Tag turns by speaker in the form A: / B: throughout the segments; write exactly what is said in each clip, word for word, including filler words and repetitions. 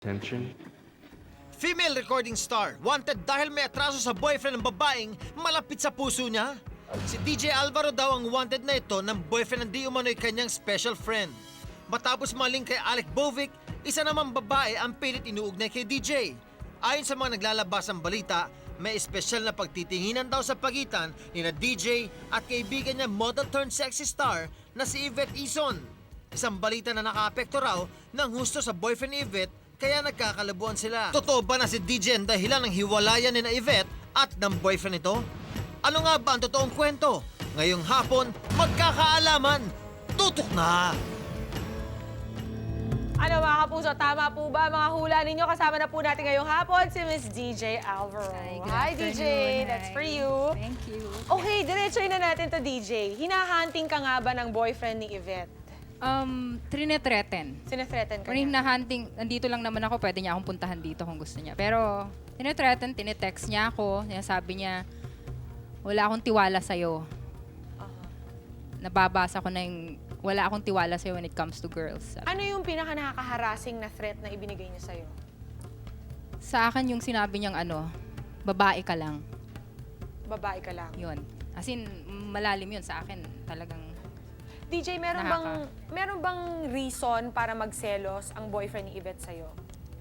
A: Attention.
B: Female recording star, wanted dahil may atraso sa boyfriend ng babaeng malapit sa puso niya. Si D J Alvaro daw ang wanted na ito ng boyfriend ng di umano'y kanyang special friend. Matapos maling kay Alec Bovic, isa namang babae ang pilit inuugnay kay D J. Ayon sa mga naglalabas ng balita, may espesyal na pagtitinginan daw sa pagitan ni na D J at kaibigan niya model turned sexy star na si Yvette Ison. Isang balita na nakaapekto raw ng husto sa boyfriend ni Yvette kaya nagkakalabuan sila. Totoo ba na si D J ang dahilan ng hiwalayan ni na Yvette at ng boyfriend nito? Ano nga ba ang totoong kwento? Ngayong hapon, magkakaalaman. Tutok na!
C: Ano mga kapuso, tama po ba mga hula ninyo? Kasama na po natin ngayong hapon si Miss D J Alvaro.
D: Hi, good
C: Hi D J,
D: afternoon.
C: that's
D: Hi.
C: for you.
D: Thank you.
C: Okay, diretsoy na natin to D J. Hinahunting ka nga ba ng boyfriend ni Yvette?
D: Um, trinethreaten.
C: Sinethreaten ka
D: Kung
C: niya?
D: hinahunting, nandito lang naman ako, pwede niya akong puntahan dito kung gusto niya. Pero, tinethreaten, tinetext niya ako, sabi niya, wala akong tiwala sa'yo.
C: Aha.
D: Nababasa ko na yung, wala akong tiwala sa'yo when it comes to girls.
C: Ano yung pinaka nakaka-harassing na threat na ibinigay niya sa'yo?
D: Sa akin yung sinabi niyang ano, babae ka lang.
C: Babae ka lang.
D: Yun. As in, malalim yun sa akin. Talagang,
C: D J, meron
D: Nakaka-
C: bang meron bang reason para magselos ang boyfriend ni Yvette sa'yo?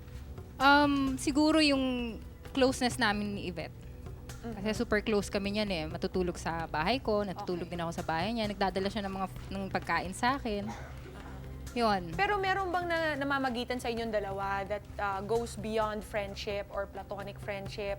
D: um, siguro yung closeness namin ni Yvette. Kasi super close kami niyan eh. Matutulog sa bahay ko, natutulog
C: Okay.
D: din ako sa bahay niya. Nagdadala siya ng mga ng pagkain sa akin. Yun.
C: Pero meron bang na, namamagitan sa inyong dalawa that uh, goes beyond friendship or platonic friendship?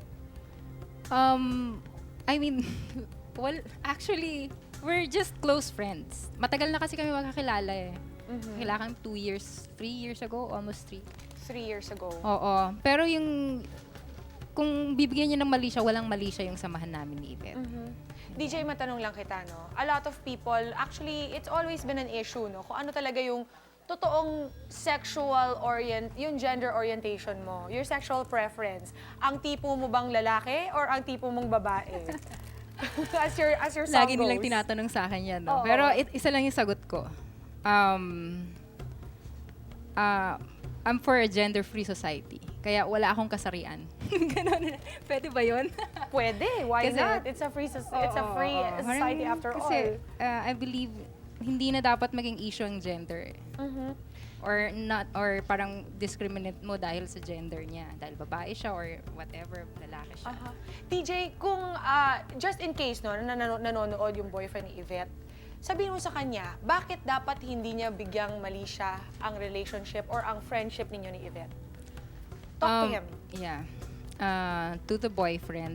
D: Um, I mean, well, actually, we're just close friends. Matagal na kasi kami magkakilala eh. Kakilala kami two years, three years ago, almost three.
C: Three years ago.
D: Oo. Pero yung, kung bibigyan niya ng mali siya, walang mali siya yung samahan namin ni Yvette.
C: Mhm. D J, matanong lang kita, no? A lot of people, actually, it's always been an issue, no? Kung ano talaga yung totoong sexual orient, yung gender orientation mo, your sexual preference. Ang tipo mo bang lalaki or ang tipo mong babae? as your as your song
D: Lagi nilang
C: goes.
D: tinatanong sa akin yan, no?
C: Oo.
D: Pero it, isa lang yung sagot ko. Um, ah, I'm for a gender-free society. Kaya wala akong kasarian. Ganon. Pwede ba yun?
C: Pwede, why
D: Kasi-
C: not? It's a free soc- it's a
D: Oo,
C: free
D: oo.
C: society
D: Parang-
C: after
D: kasi,
C: all.
D: uh, I believe hindi na dapat maging issue ang gender. eh.
C: Mhm.
D: Or not, or parang discriminate mo dahil sa gender niya. Dahil babae siya or whatever, lalaki siya.
C: Aha. D J, kung ah, just in case no, na nan- nanonood yung boyfriend ni Yvette, sabihin mo sa kanya, bakit dapat hindi niya bigyang mali siya ang relationship or ang friendship ninyo ni Yvette? Talk to
D: Um,
C: him.
D: Yeah. Uh, to the boyfriend,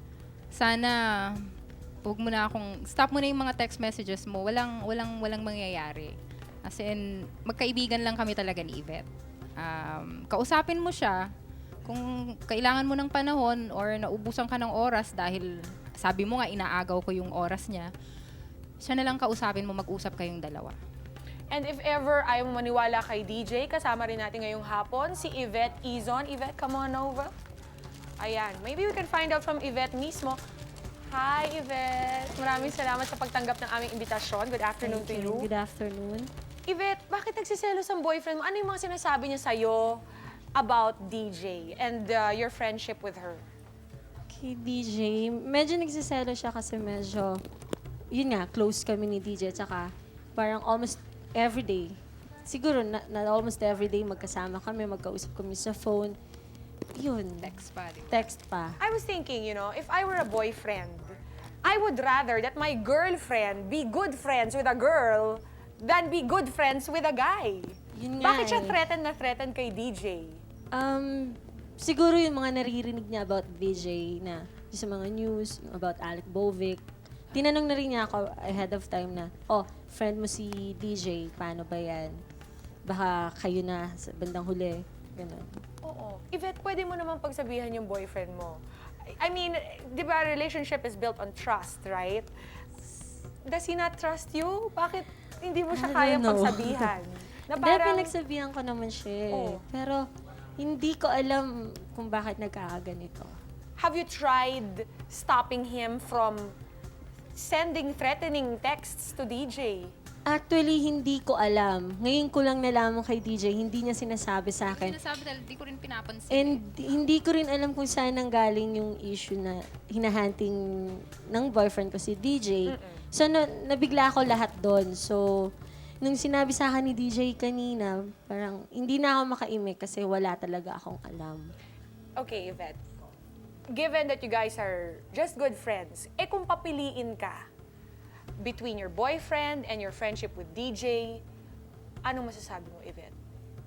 D: sana huwag mo na akong, stop mo na yung mga text messages mo. Walang, walang, walang mangyayari. As in, magkaibigan lang kami talaga ni Yvette. Um, kausapin mo siya kung kailangan mo ng panahon or naubusan ka ng oras dahil sabi mo nga inaagaw ko yung oras niya, siya na lang kausapin mo, mag-usap kayong dalawa.
C: And if ever ayaw mo maniwala kay D J, kasama rin natin ngayong hapon si Yvette Ison. Yvette, come on over. Ayan, maybe we can find out from Yvette mismo. Hi, Yvette. Maraming salamat sa pagtanggap ng aming imbitasyon. Good afternoon
E: Thank
C: to you.
E: you. Good afternoon.
C: Yvette, bakit nagsiselos ang boyfriend mo? Ano yung mga sinasabi niya sa'yo about D J and uh, your friendship with her?
E: Kay D J, medyo nagsiselo siya kasi medyo, yun nga, close kami ni D J. Tsaka parang almost everyday. Siguro na, na almost everyday magkasama kami, magkausap kami sa phone. Yun.
D: Text pa, di ba?
E: Text pa.
C: I was thinking, you know, if I were a boyfriend, I would rather that my girlfriend be good friends with a girl than be good friends with a guy.
E: Yun nga
C: Bakit siya
E: eh.
C: threaten na threaten kay D J?
E: Um, siguro yung mga naririnig niya about D J na yung sa mga news, yung about Alec Bovic. Tinanong na rin niya ako ahead of time na, oh, friend mo si D J, paano ba yan? Baka kayo na sa bandang huli. Ganun.
C: Oo. Yvette, pwede mo naman pagsabihan yung boyfriend mo. I mean, di ba, relationship is built on trust, right? Does he not trust you? Bakit hindi mo siya
E: I
C: kayang
E: don't know.
C: pagsabihan? Na
E: Dahil
C: parang,
E: pinagsabihan ko naman siya eh.
C: Oo.
E: Pero hindi ko alam kung bakit nagkakaganito.
C: have you tried stopping him from sending threatening texts to D J?
E: Actually, hindi ko alam. Ngayon ko lang nalaman kay D J, hindi niya sinasabi sa akin.
D: Sinasabi dahil di ko rin pinapansin.
E: And
D: eh.
E: hindi ko rin alam kung saan nanggaling yung issue na hinahunting ng boyfriend ko si D J. So, na, nabigla ako lahat doon. So, nung sinabi sa akin ni D J kanina, parang hindi na ako makaimik kasi wala talaga akong alam.
C: Okay, Yvette. Given that you guys are just good friends, eh kung papiliin ka between your boyfriend and your friendship with D J, anong masasabi mo, Yvette?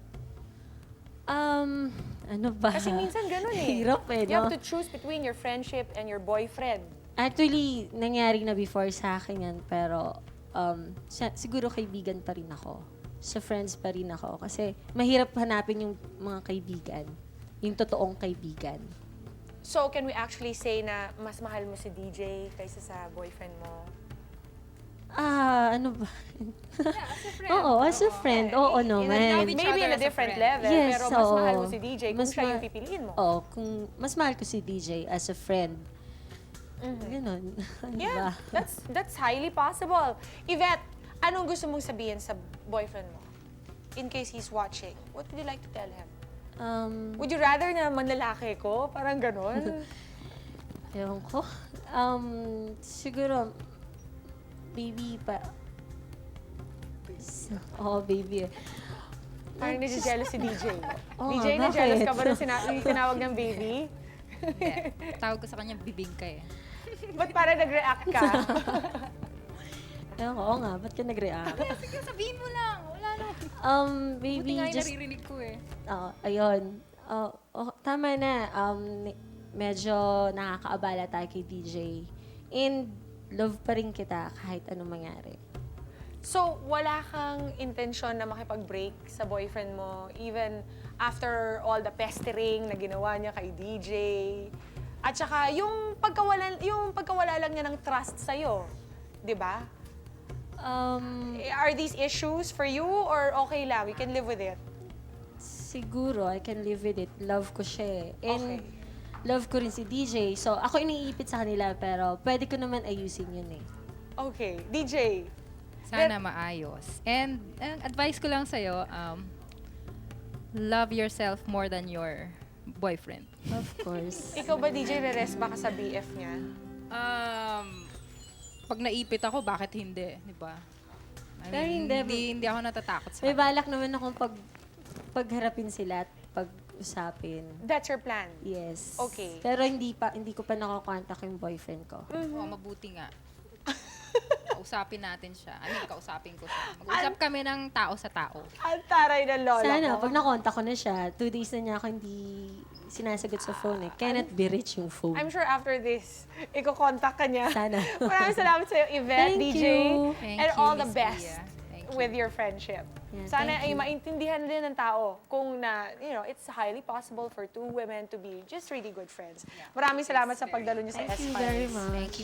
E: Um, ano ba?
C: Kasi minsan ganun eh.
E: Hirap eh,
C: You have
E: no?
C: to choose between your friendship and your boyfriend.
E: Actually, nangyari na before sa akin yan, pero um, sa- siguro kaibigan pa rin ako. Sa friends pa rin ako. Kasi mahirap hanapin yung mga kaibigan. Yung totoong kaibigan.
C: So, can we actually say na mas mahal mo si D J kaysa sa boyfriend mo?
E: Ah, ano ba?
D: Yeah, as a friend.
E: Oo, as a friend. Oo
D: In a
E: naman.
D: love each
C: Maybe in
D: other
C: a
D: as a
C: different
D: friend.
C: level,
E: Yes,
C: pero mas
E: oo.
C: mahal mo si D J kung
E: Mas
C: siya yung
E: ma-
C: pipiliin mo.
E: Oo, kung mas mahal ko si D J as a friend. Ganon. Ano ba?
C: Yeah, that's that's highly possible. Yvette, anong gusto mong sabihin sa boyfriend mo? In case he's watching, what would you like to tell him?
E: Um,
C: Would you rather na manlalaki ko? Parang ganon.
E: ewan ko. Um, siguro, baby pa. Oo, oh, baby.
C: Parang nasi-jealous si D J.
E: Oo
C: D J,
E: nga,
C: na-jealous
E: bakit?
C: ka ba nung sina- yung tinawag ng baby?
D: Hindi. Tawag ko sa kanya, bibing ka eh.
C: Ba't parang nag-react ka?
E: Ewan ko, oo nga, ba't ka nag-react?
D: Sige, sabihin mo lang. Wala na.
E: Um,
D: Buti
E: baby,
D: nga yung
E: just
D: naririnig ko eh.
E: Oo, ayun. Oh, oh, tama na. Um, ni- medyo nakakaabala tayo kay D J. And love pa rin kita kahit anong mangyari.
C: So, wala kang intensyon na makipag-break sa boyfriend mo even after all the pestering na ginawa niya kay D J? At saka, yung pagkawala, yung pagkawala lang niya ng trust sa'yo, di ba?
E: Um,
C: Are these issues for you or okay lang? You can live with it?
E: siguro, I can live with it. Love ko siya eh. And
C: Okay.
E: love ko rin si D J. So, ako iniipit sa kanila, pero pwede ko naman ayusin yun eh.
C: Okay. D J,
D: Sana maayos. And ang advice ko lang sa'yo, um, love yourself more than your boyfriend.
E: Of course.
C: ikaw ba D J, re-rest ba ka sa B F niya?
D: Um, pag naipit ako, bakit hindi? Di ba? I
E: Pero
D: mean,
E: hindi.
D: hindi, hindi ako natatakot sa
E: May balak naman akong pag, pagharapin sila at pag-usapin.
C: That's your plan?
E: Yes.
C: Okay.
E: Pero hindi pa hindi ko pa nakokontak yung boyfriend ko.
D: Oo, mabuti nga. Kausapin natin siya. I mean, kausapin ko siya. Mag-usap kami ng tao sa tao.
C: Ang taray ng lola
E: Sana,
C: ko.
E: pag nakontak ko na siya, two days na niya ako hindi sinasagot sa phone eh. Cannot be reached yung phone.
C: I'm sure after this, iko-contact ka niya.
E: Sana.
C: Maraming salamat sa'yo, Yvette,
E: Thank
C: D J.
E: you.
D: Thank
C: and
D: you,
C: all the
D: Miss
C: best
D: Pia. Thank you.
C: with your friendship.
E: Yeah,
C: Sana
E: thank
C: ay
E: you.
C: maintindihan din ng tao kung na, you know, it's highly possible for two women to be just really good friends. Maraming salamat sa pagdalo niyo sa
E: Thank you
C: S-Files.
E: very much.
D: Thank you.